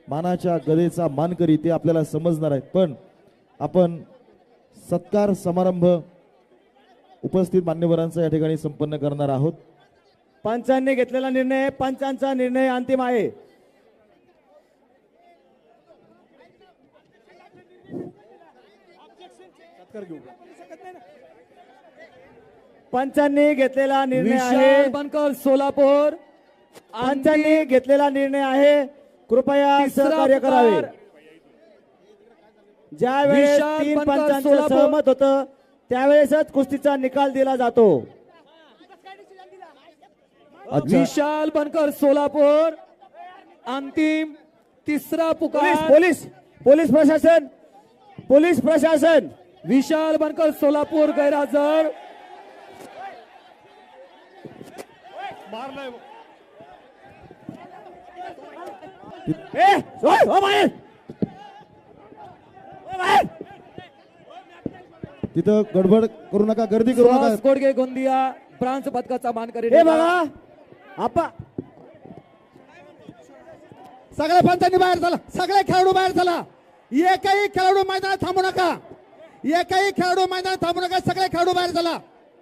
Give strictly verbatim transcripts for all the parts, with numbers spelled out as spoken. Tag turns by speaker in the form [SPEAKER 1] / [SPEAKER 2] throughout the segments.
[SPEAKER 1] मानाच्या गदेचा मानकरी ते आपल्याला समजणार आहेत, पण आपण सत्कार समारंभ उपस्थित मान्यवरांचा या ठिकाणी संपन्न करणार आहोत।
[SPEAKER 2] पंचांनी घेतलेला निर्णय, पंचांचा निर्णय अंतिम आहे। पंचांनी घेतलेला निर्णय आहे,
[SPEAKER 3] विशाल बनकर सोलापूर।
[SPEAKER 2] पंचांनी घेतलेला निर्णय आहे, कृपया सहकार्य करावे। ज्या वेळेस
[SPEAKER 3] विशाल
[SPEAKER 2] तीन
[SPEAKER 3] बनकर
[SPEAKER 2] पंचांचं
[SPEAKER 3] सोलापूर।
[SPEAKER 2] सहमत होतं त्यावेळेसच कुस्तीचा निकाल दिला जातो।
[SPEAKER 1] अच्छा,
[SPEAKER 3] विशाल बनकर सोलापूर अंतिम तिसरा
[SPEAKER 2] पोलीस
[SPEAKER 3] पुकार।
[SPEAKER 2] पोलीस पोलीस प्रशासन पोलीस प्रशासन
[SPEAKER 3] विशाल बनकर सोलापूर गैरहजर।
[SPEAKER 2] ए ओय, ओ बाहेर ओ बाहेर
[SPEAKER 1] तिथं गडबड करू नका, गर्दी करू नका।
[SPEAKER 3] सुहास गोडगे गोंदिया ब्रांच पदकाचा मानकरी
[SPEAKER 2] हे
[SPEAKER 3] ठरला।
[SPEAKER 2] बघा आपा
[SPEAKER 4] सगळ्या पंचांनी बाहेर झाला, सगळे खेळाडू बाहेर झाला। एकही खेळाडू मैदानात थांबू नका, एकही खेळाडू मैदानात थांबू नका, सगळे खेळाडू बाहेर झाला।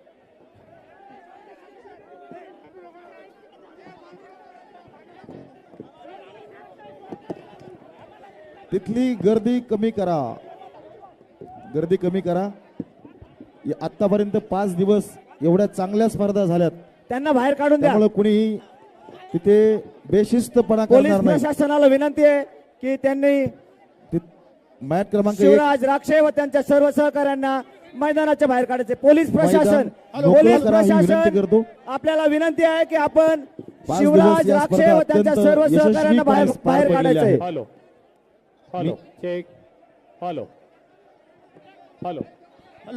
[SPEAKER 1] तिथली गर्दी कमी करा, गर्दी कमी करा। आतापर्यंत पाच दिवस एवढ्या चांगल्या स्पर्धा झाल्यात,
[SPEAKER 2] त्यांना बाहेर काढून द्या।
[SPEAKER 1] त्यामुळे कुणीही तिथे बेशिस्तपणा
[SPEAKER 2] पोलीस
[SPEAKER 1] करणार नाही।
[SPEAKER 2] प्रशासनाला विनंती आहे की त्यांनी
[SPEAKER 1] ति- मॅच क्रमांक एक
[SPEAKER 2] शिवराज राक्षे व त्यांच्या सर्व सहकाऱ्यांना मैदानाच्या बाहेर काढायचे। पोलीस प्रशासन
[SPEAKER 1] मैदान मोकळं
[SPEAKER 2] पोलीस
[SPEAKER 1] करा ही विनंती
[SPEAKER 2] प्रशासन
[SPEAKER 1] करतो।
[SPEAKER 2] आपल्याला विनंती आहे की आपण
[SPEAKER 1] पाच
[SPEAKER 2] शिवराज
[SPEAKER 1] दिवस या
[SPEAKER 2] राक्षे
[SPEAKER 1] स्पर्धा
[SPEAKER 2] व त्यांच्या
[SPEAKER 1] अत्यंत
[SPEAKER 2] सर्व
[SPEAKER 1] यशस्वी
[SPEAKER 2] सहकाऱ्यांना बाहेर
[SPEAKER 1] पार- पार
[SPEAKER 2] बाहेर
[SPEAKER 1] पडलेल्या
[SPEAKER 2] काढायचंय।
[SPEAKER 1] आहेत।
[SPEAKER 5] Hello hello check hello hello
[SPEAKER 4] hello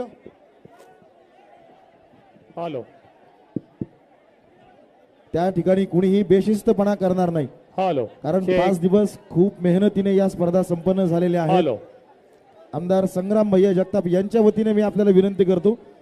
[SPEAKER 5] hello
[SPEAKER 1] त्या ठिकाणी कुणीही बेशिस्तपणा करणार नाही,
[SPEAKER 5] हॅलो
[SPEAKER 1] कारण
[SPEAKER 5] चेक.
[SPEAKER 1] पाच दिवस खूप मेहनतीने या स्पर्धा संपन्न झालेल्या आहेत।
[SPEAKER 5] हॅलो
[SPEAKER 1] आमदार संग्राम भैया जगताप यांच्या वतीने मी आपल्याला विनंती करतो